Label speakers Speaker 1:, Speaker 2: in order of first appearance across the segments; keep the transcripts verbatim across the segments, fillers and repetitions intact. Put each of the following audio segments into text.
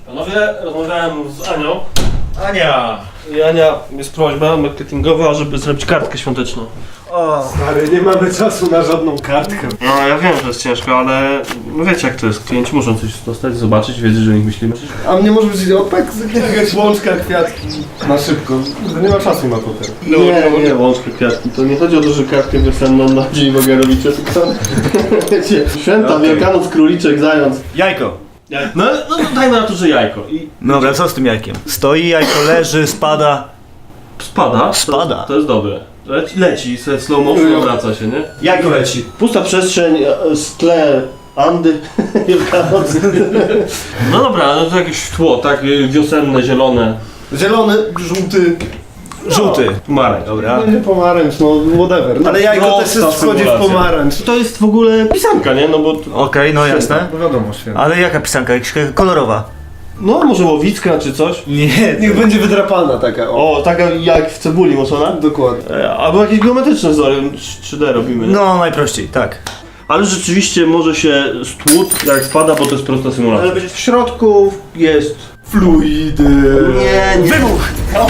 Speaker 1: Panowie, rozmawiałem z Anią.
Speaker 2: Ania!
Speaker 1: I Ania, jest prośba marketingowa, żeby zrobić kartkę świąteczną.
Speaker 2: O,
Speaker 3: Stary, nie mamy czasu na żadną kartkę.
Speaker 1: No ja wiem, że jest ciężko, ale no wiecie jak to jest. Klienci muszą coś dostać, zobaczyć, wiedzieć, że o nich myślimy.
Speaker 3: A mnie może być opek, jakaś łączka, kwiatki. Na szybko. Nie ma czasu na potem.
Speaker 1: No, nie, nie, łączkę kwiatki. To nie chodzi o to, że kartkę wiosenną na dzień mogę robić, tylko wiecie, święta,
Speaker 2: Okay.
Speaker 1: Wielkanoc, króliczek, zając.
Speaker 2: jajko.
Speaker 1: No, no dajmy na to, że jajko. I
Speaker 2: Dobra, co z tym jajkiem? Stoi jajko, leży, spada.
Speaker 1: spada.
Speaker 2: Spada.
Speaker 1: To, to jest dobre. Leci, leci se w slow motion obraca się, nie?
Speaker 2: Jajko leci.
Speaker 1: Pusta przestrzeń, e, tle, Andy, Wielkanoc. No dobra, no to jakieś tło, tak wiosenne, zielone.
Speaker 3: Zielony, żółty.
Speaker 2: Żółty.
Speaker 1: Pomarańcz.
Speaker 2: Dobra.
Speaker 3: Będzie pomarańcz, no whatever. No, ale jajko
Speaker 1: no,
Speaker 3: też
Speaker 1: ta
Speaker 3: jest, wchodzi w
Speaker 1: symulacja.
Speaker 3: pomarańcz.
Speaker 1: To jest w ogóle pisanka, nie? No bo... to-
Speaker 2: Okej, no jasne.
Speaker 3: No wiadomo, święta.
Speaker 2: Ale jaka pisanka? Jakaś kolorowa?
Speaker 1: No może łowicka czy coś.
Speaker 2: Nie.
Speaker 3: Niech będzie wydrapana taka, o.
Speaker 1: O, taka jak w cebuli mocona.
Speaker 3: Dokładnie.
Speaker 1: E, Albo jakieś geometryczne wzory, trzy D robimy. Nie?
Speaker 2: No, najprościej, tak.
Speaker 1: Ale rzeczywiście może się stłuc jak spada, bo to jest prosta symulacja.
Speaker 2: Ale będzie-
Speaker 1: w środku jest...
Speaker 3: Fluidy.
Speaker 1: Nie, nie.
Speaker 2: Wybuch!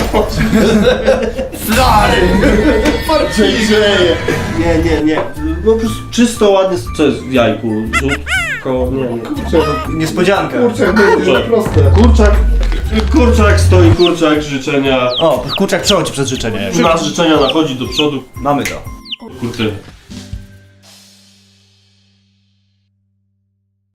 Speaker 3: Flary. Parcie grzeje.
Speaker 1: Nie, nie, nie. No po prostu czysto, ładnie, co jest w jajku? Żółtko, nie, nie.
Speaker 3: Kurczę,
Speaker 2: Niespodzianka.
Speaker 3: kurczę, będzie proste.
Speaker 1: Kurczak, kurczak stoi, kurczak, życzenia.
Speaker 2: O, kurczak przechodzi przez życzenia.
Speaker 1: Nasz życzenia nachodzi do przodu.
Speaker 2: Mamy to.
Speaker 1: Kurczę.